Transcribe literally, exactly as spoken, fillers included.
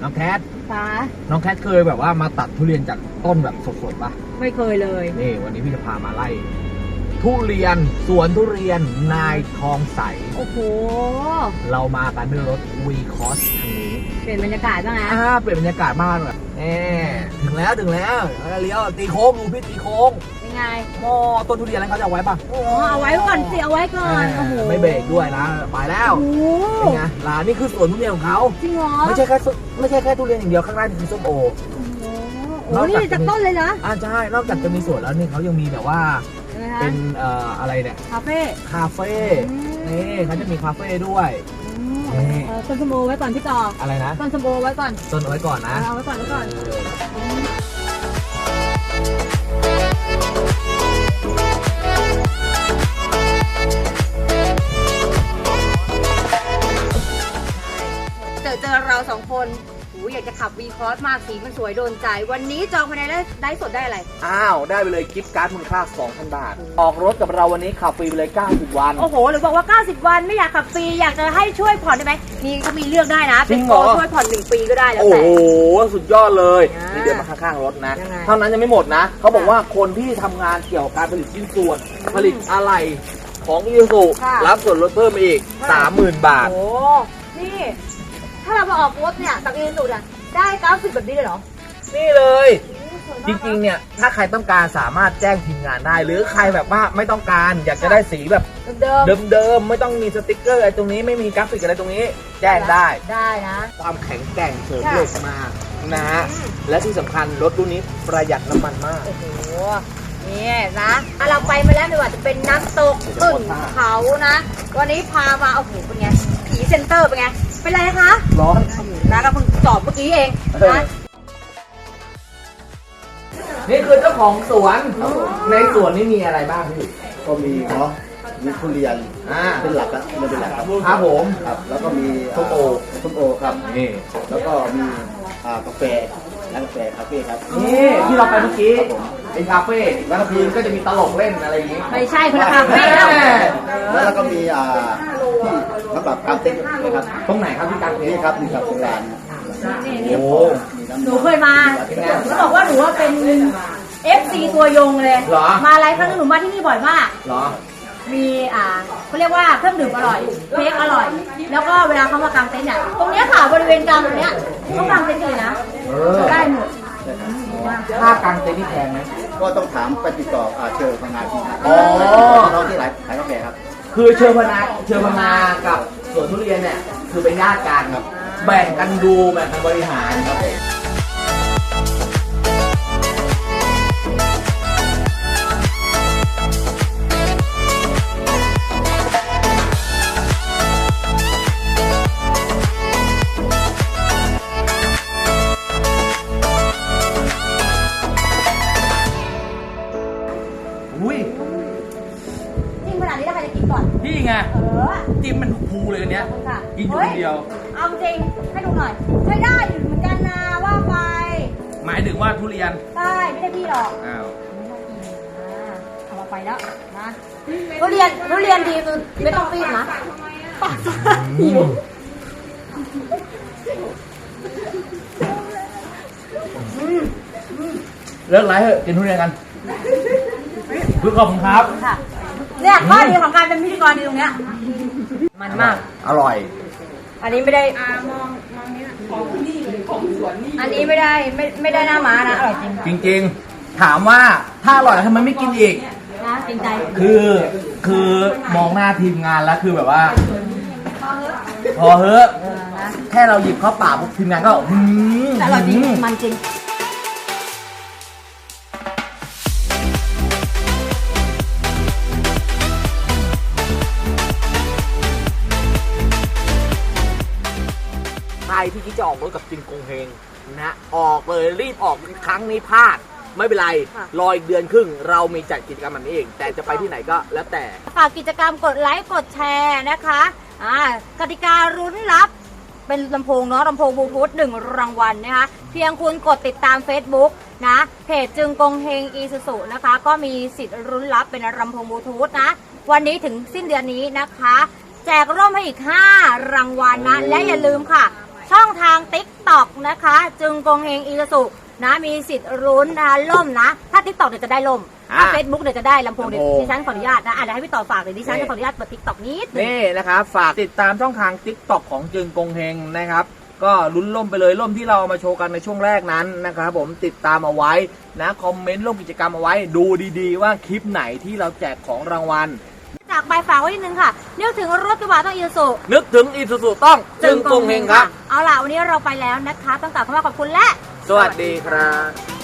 น้องแคทฟ้าน้องแคทเคยแบบว่ามาตัดทุเรียนจากต้นแบบสดๆปะไม่เคยเลยนี่วันนี้พี่จะพามาไล่ทุเรียนสวนทุเรียนนายทองใสโอ้โหเรามากันด้วยรถวีคอสคันนี้เปลี่ยนบรรยากาศบ้างนะอ่าเปลี่ยนบรรยากาศมากเลยแน่ถึงแล้วถึงแล้วเลี้ยวตีโค้งดูพี่ตีโค้งเป็นไงหม้อต้นทุเรียนแล้วเขาจะเอาไว้ปะโอ้เอาไว้ก่อนสิเอาไว้ก่อนโอ้โหไม่เบรกด้วยนะไปแล้วโอ้โหเป็นไงร้านนี่คือสวนทุเรียนของเขาจริงเหรอไม่ใช่แค่ส้มไม่ใช่แค่ทุเรียนอย่างเดียวข้างหน้านี่คือส้มโอโอ้โหนี่จากต้นเลยนะอ่าใช่นอกจากจะมีสวนแล้วนี่เขายังมีแบบว่าใช่ไหมคะเป็นเอ่ออะไรเนี่ยคาเฟ่คาเฟ่อืมนี่เขาจะมีคาเฟ่ด้วยอืมเออต้นสมโอไว้ก่อนพี่ต่ออะไรนะต้นสมโอไว้ก่อนต้นเอาไว้ก่อนนะเอาไว้ก่อนไว้ก่อนเออเจอเจอเราสองคนหูอยากจะขับวีคอสมากสีมันสวยโดนใจ วันนี้จองภายในได้ได้สดได้อะไรอ้าวได้ไปเลยกิฟต์การ์ดมูลค่า สองพัน บาท ออกรถกับเราวันนี้ขับฟรีไปเลยเก้าสิบวันโอ้โห หรือบอกว่า เก้าสิบ วันไม่อยากขับฟรี อยากจะให้ช่วยผ่อนได้ไหม มีก็มีเลือกได้นะ เป็นโปรช่วยผ่อนหนึ่งปีก็ได้แล้วโอ้แต่โห สุดยอดเลยอ่านี่เดินมาข้างๆรถนะยังไงเท่านั้นยังไม่หมดนะ เขาบอกว่าคนที่ทำงานเกี่ยวกับการผลิตชิ้นส่วน ผลิตอะไหล่ของอีซูค่ะรับส่วนลดเพิ่มอีก สามหมื่น บาทโอ้ นี่ ถ้าเรามาออกรถเนี่ยจากอีสุดอ่ะ ได้เก้าสิบแบบนี้เลยเหรอนี่เลย จริงๆ เนี่ย ถ้าใครต้องการสามารถแจ้งทีมงานได้ หรือใครแบบว่าไม่ต้องการ อยากจะได้สีแบบเดิมเดิมๆ ไม่ต้องมีสติกเกอร์อะไรตรงนี้ ไม่มีกราฟิกอะไรตรงนี้ แจ้งได้ได้นะความแข็งแกร่งเสริมเหล็กมานะฮะ และที่สำคัญรถรุ่นนี้ประหยัดน้ำมันมากโอ้โห นี่นะอ่ะเราไปมาแล้วไม่ว่าจะเป็นน้ำตกขึ้นเขานะ วันนี้พามา โอ้โห เป็นไง ผีเซ็นเตอร์เป็นไง เป็นไรคะร้อนนะก็เพิ่งสอบเมื่อกี้เองนะนี่คือเจ้าของสวน ในสวนนี่มีอะไรบ้างพี่ก็มีเนาะมีทุเรียนอ่าเป็นหลักอะมันเป็นหลักครับครับผมครับ แล้วก็มีส้มโอส้มโอครับนี่แล้วก็มีอ่ากาแฟร้านกาแฟคาเฟ่ครับนี่ที่เราไปเมื่อกี้ครับผมเป็นคาเฟ่กลางคืนก็จะมีตลกเล่นอะไรอย่างงี้ไม่ใช่คนละคาเฟ่แล้วแล้วแล้วก็มีอ่าที่สำหรับการเต้นนะครับตรงไหนครับที่กลางเต็นนี่ท์ครับนี่ครับโรงแรมโอ้หนูเคยมาหนูบอกว่าหนูว่าเป็น เอฟ ซี ตัวยงเลยเหรอมาหลายครั้งหนูมาที่นี่บ่อยมากเหรอมีอ่าเขาเรียกว่าเครื่องดื่มอร่อยเค้กอร่อย แล้วก็เวลาเขามากางเต็นท์เนี่ยตรงเนี้ยค่ะบริเวณกลางตรงเนี้ยเขากางเต็นท์เลยนะเออได้หมดค่ากางเต็นท์นี่แพงไหมก็ต้องถามไปติดต่ออ่าเชิญพนักงานที่อ๋อน้องที่ขายขายกาแฟครับคือเชิญพนาเชิญพนากับสวนทุเรียนเนี่ยคือเป็นญาติกันครับ แบ่งกันดูแบ่งกันบริหารครับผมอุ้ยจิ้มขนาดนี้แล้วใครจะกินก่อนนี่ไงเออจิ้มมันภูเลยอันเนี้ยค่ะกินอยู่คนเดียวฮ้เอาจริงให้ดูหน่อยใช้ได้อยู่เหมือนกันนะว่าไปหมายถึงว่าทุเรียนได้ไม่ได้พี่หรอกอ้าวเอามาไปแล้วนะทุเรียนทุเรียนดีคือไม่ต้องปีนนะปากหิวเลิกไลฟ์เถอะกินทุเรียนกันเพื่อขอบคุณครับค่ะเนี่ยข้อดีของการเป็นพิธีกรดีตรงเนี้ยมันมากอร่อยอันนี้ไม่ได้มองมองนี้ของนี่ของสวนนี่อันนี้ไม่ได้ไม่ไม่ได้หน้าม้านะอร่อยจริงจริงๆ ถามว่าถ้าอร่อยแล้วทำไมไม่กินอีกนะจริงใจคือคือมองหน้าทีมงานแล้วคือแบบว่า พอเฮ้อะเออนะแค่เราหยิบเข้าปากปุ๊บทีมงานก็หืมแต่อร่อยจริงมันจริงใครที่คิดจะออกรถกับจินกงเฮงนะออกเลยรีบออกครั้งนี้พลาด ไม่เป็นไรค่ะรออีกเดือนครึ่ง เรามีจัดกิจกรรมแบบนี้เอง แต่จะไปที่ไหนก็แล้วแต่ฝากกิจกรรมกดไลค์กดแชร์นะคะอ่ากติการุ้นรับเป็นลำโพงเนาะลำโพงบลูทูธหนึ่งรางวัลนะคะเพียงคุณกดติดตาม Facebook นะเพจจึงกงเฮงอีซูซูนะคะ ก็มีสิทธิ์รุ้นรับเป็นลำโพงบลูทูธนะ วันนี้ถึงสิ้นเดือนนี้นะคะ แจกร่มให้อีกห้ารางวัลนะ และอย่าลืมค่ะ ช่องทาง ติ๊กต็อกนะคะ จึงกงเฮงอีสุนะมีสิทธิ์ลุ้นนะคะล่มนะถ้า ทิกตอก เดี๋ยวจะได้ล่มถ้า Facebook เดี๋ยวจะได้ลำโพงเดี๋ยวดิฉันขออนุญาตนะอ่ะเดี๋ยวให้พี่ต่อฝากเดี๋ยวดิฉันจะขออนุญาตเปิด ทิกตอก นิดนึงนี่นะครับฝากติดตามช่องทาง ติ๊กต็อก ของจึงกงเฮงนะครับก็ลุ้นล่มไปเลยล่มที่เราเอามาโชว์กันในช่วงแรกนั้นนะครับผมติดตามเอาไว้นะคอมเมนต์ร่วมกิจกรรมเอาไว้ดูดีๆว่าคลิปไหนที่เราแจกของรางวัลจากไปฝากไว้นิดนึงค่ะนึกถึงรถกระบะต้องอีซูนึกถึงอีซูซูต้องจึงกงเฮงครับเอาล่ะวันนี้เราไปแล้วนะคะต้องกล่าวคำว่าขอบคุณและสวัสดีครับ